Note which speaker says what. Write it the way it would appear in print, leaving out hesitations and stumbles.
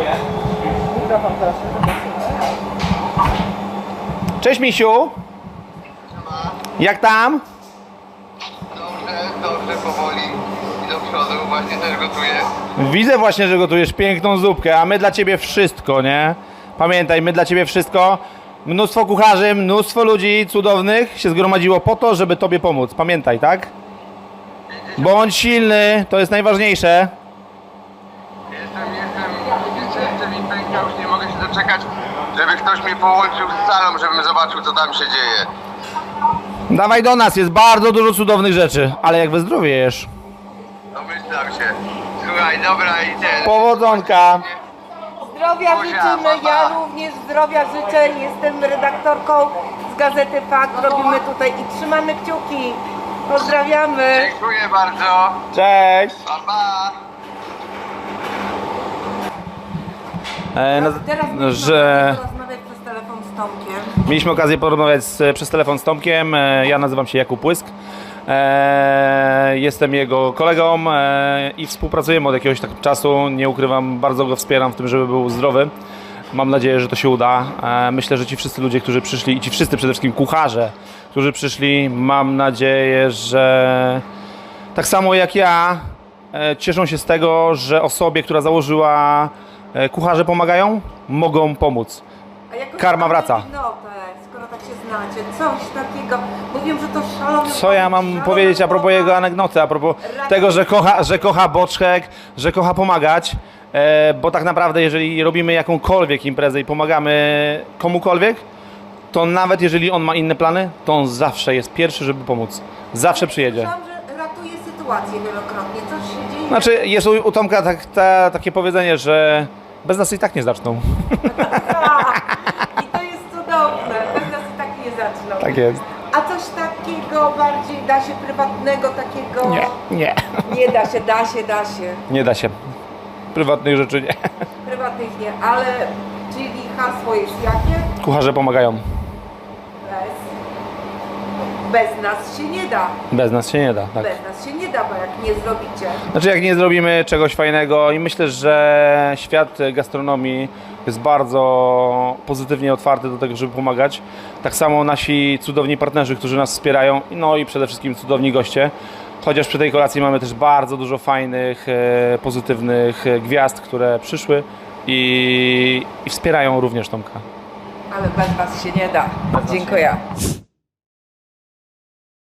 Speaker 1: Mikrofon proszę.
Speaker 2: Cześć misiu! Jak tam?
Speaker 3: Dobrze, powoli i do przodu, właśnie też gotuję.
Speaker 2: Widzę właśnie, że gotujesz piękną zupkę, a my dla ciebie wszystko, nie? Pamiętaj, my dla ciebie wszystko. Mnóstwo kucharzy, mnóstwo ludzi cudownych się zgromadziło po to, żeby tobie pomóc. Pamiętaj, tak? Bądź silny, to jest najważniejsze.
Speaker 3: Serce mi pęka, już nie mogę się doczekać, żeby ktoś mnie połączył z salą, żebym zobaczył, co tam się dzieje.
Speaker 2: Dawaj do nas, jest bardzo dużo cudownych rzeczy, ale jak wyzdrowiejesz.
Speaker 3: Domyślam się. Słuchaj, dobra i ten.
Speaker 2: Powodzonka.
Speaker 1: Zdrowia
Speaker 3: Buzia,
Speaker 1: życzymy,
Speaker 3: pa, pa.
Speaker 1: ja również zdrowia życzę. Jestem redaktorką z Gazety Fakt. Robimy tutaj i trzymamy kciuki. Pozdrawiamy.
Speaker 3: Dziękuję bardzo.
Speaker 2: Cześć.
Speaker 3: Pa, pa.
Speaker 1: Teraz
Speaker 2: że
Speaker 1: porozmawiać przez telefon z Tomkiem.
Speaker 2: mieliśmy okazję porozmawiać przez telefon z Tomkiem. Ja nazywam się Jakub Płysk. Jestem jego kolegą i współpracujemy od jakiegoś tak czasu. Nie ukrywam, bardzo go wspieram w tym, żeby był zdrowy. Mam nadzieję, że to się uda. Myślę, że ci wszyscy ludzie, którzy przyszli i ci wszyscy przede wszystkim kucharze, którzy przyszli, mam nadzieję, że tak samo jak ja cieszą się z tego, że osobie, która założyła Kucharze Pomagają, mogą pomóc.
Speaker 1: A jakoś
Speaker 2: Karma
Speaker 1: tam
Speaker 2: wraca.
Speaker 1: notę, skoro tak się znacie, coś takiego. Mówię, że to szalony.
Speaker 2: Co ja mam powiedzieć a propos jego anegdoty, a propos tego, że kocha boczek, że kocha pomagać, bo tak naprawdę jeżeli robimy jakąkolwiek imprezę i pomagamy komukolwiek, to nawet jeżeli on ma inne plany, to on zawsze jest pierwszy, żeby pomóc. Zawsze przyjedzie.
Speaker 1: Słyszałam, że ratuje sytuację wielokrotnie. Coś się dzieje.
Speaker 2: Znaczy jest u Tomka takie powiedzenie, że bez nas i tak nie zaczną.
Speaker 1: I to jest cudowne. Bez nas i tak nie zaczną.
Speaker 2: Tak jest.
Speaker 1: A coś takiego bardziej da się prywatnego, takiego...
Speaker 2: Nie.
Speaker 1: Nie da się, da się.
Speaker 2: Nie da się. Prywatnych rzeczy nie.
Speaker 1: Prywatnych nie, ale... Czyli hasło jest jakie?
Speaker 2: Kucharze pomagają.
Speaker 1: Bez nas się nie da.
Speaker 2: Bez nas się nie da. Tak.
Speaker 1: Bez nas się nie da, bo jak nie zrobicie.
Speaker 2: Znaczy jak nie zrobimy czegoś fajnego i myślę, że świat gastronomii jest bardzo pozytywnie otwarty do tego, żeby pomagać. Tak samo nasi cudowni partnerzy, którzy nas wspierają, no i przede wszystkim cudowni goście. Chociaż przy tej kolacji mamy też bardzo dużo fajnych, pozytywnych gwiazd, które przyszły i wspierają również Tomka.
Speaker 1: Ale bez was się nie da. Dziękuję.